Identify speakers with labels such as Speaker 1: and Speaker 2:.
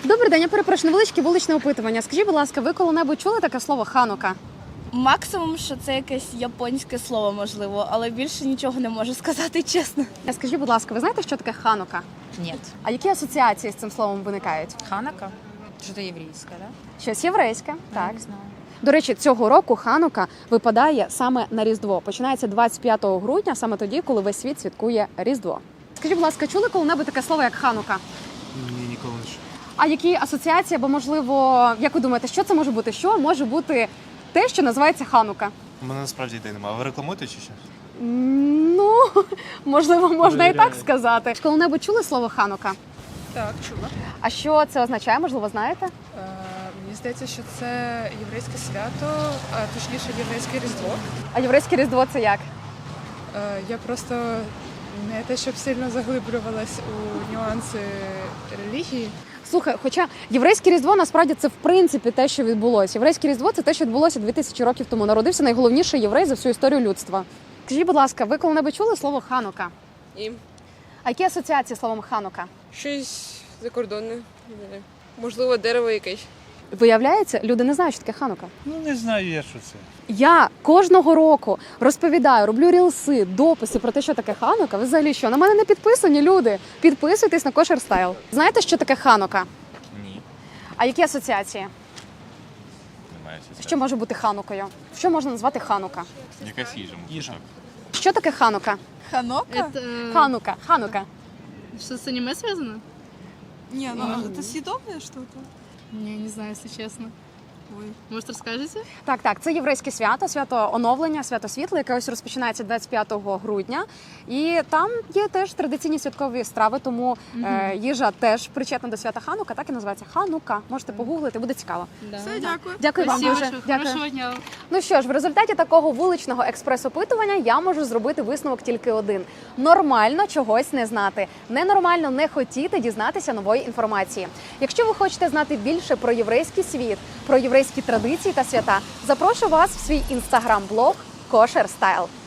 Speaker 1: Добрий день, я перепрошую, невеличке вуличне опитування. Скажіть, будь ласка, ви коли-небудь чули таке слово ханука?
Speaker 2: Максимум, що це якесь японське слово, можливо, але більше нічого не можу сказати, чесно.
Speaker 1: Скажіть, будь ласка, ви знаєте, що таке ханука?
Speaker 3: Нет.
Speaker 1: А які асоціації з цим словом виникають?
Speaker 3: Ханака? Что-то еврейское, да?
Speaker 1: Щось єврейське, так.
Speaker 3: Не знаю.
Speaker 1: До речі, цього року ханука випадає саме на Різдво. Починається 25 грудня, саме тоді, коли весь світ святкує Різдво. Скажіть, будь ласка, чули коли-небудь таке слово, як ханука?
Speaker 4: Ні, ніколи не чув.
Speaker 1: А які асоціації, або, можливо, як ви думаєте, що це може бути? Що може бути те, що називається ханука?
Speaker 4: У мене насправді ідей немає. А ви рекламуєте чи що?
Speaker 1: Ну, можливо, можна і так
Speaker 4: Перевіряю.
Speaker 1: сказати. Коли-небудь чули слово ханука?
Speaker 5: Так, чула.
Speaker 1: А що це означає, можливо, знаєте?
Speaker 5: Мені здається, що це єврейське свято, а точніше єврейське Різдво.
Speaker 1: А єврейське Різдво це як?
Speaker 5: Я просто не те, щоб сильно заглиблювалась у нюанси релігії.
Speaker 1: Слухай, хоча єврейське Різдво насправді це в принципі те, що відбулося. Єврейське Різдво це те, що відбулося 2000 років тому. Народився найголовніший єврей за всю історію людства. Скажіть, будь ласка, ви коли-небудь чули слово ханука?
Speaker 6: І
Speaker 1: А які асоціації з словом ханука?
Speaker 6: щось закордонне. Не знаю. Можливо, дерево якесь.
Speaker 1: Виявляється, люди не знають, що таке ханука.
Speaker 7: Ну, не знаю я, що це.
Speaker 1: Я кожного року розповідаю, роблю рілси, дописи про те, що таке ханука. Ви взагалі що? На мене не підписані люди. Підписуйтесь на Kosher Style. Знаєте, що таке ханука?
Speaker 4: Ні.
Speaker 1: А які асоціації?
Speaker 4: Немає асоціації.
Speaker 1: Що може бути ханукою? Що можна назвати ханука?
Speaker 4: Якась їжа.
Speaker 7: Їжа.
Speaker 1: Що таке ханука?
Speaker 2: Ханока?
Speaker 1: Ханука. Ханука.
Speaker 8: Что с аниме связано?
Speaker 2: Не, ну это съедобное что-то.
Speaker 8: Не, не знаю, если честно. Ой. Может, расскажете?
Speaker 1: Так, це єврейське свято, свято оновлення, свято світла, яке ось розпочинається 25 грудня. І там є теж традиційні святкові страви, тому їжа теж причетна до свята Ханука, так і називається Ханука. Можете погуглити, буде цікаво.
Speaker 8: Да.
Speaker 2: Все, дякую.
Speaker 1: Дякую вам
Speaker 8: Спасибо
Speaker 1: дуже.
Speaker 8: большое.
Speaker 1: Дякую.
Speaker 8: Хорошего дня.
Speaker 1: Ну що ж, в результаті такого вуличного експрес-опитування я можу зробити висновок тільки один. Нормально чогось не знати. Ненормально не хотіти дізнатися нової інформації. Якщо ви хочете знати більше про єврейський світ, про єврейські традиції та свята, запрошую вас в свій інстаграм-блог Kosher Style.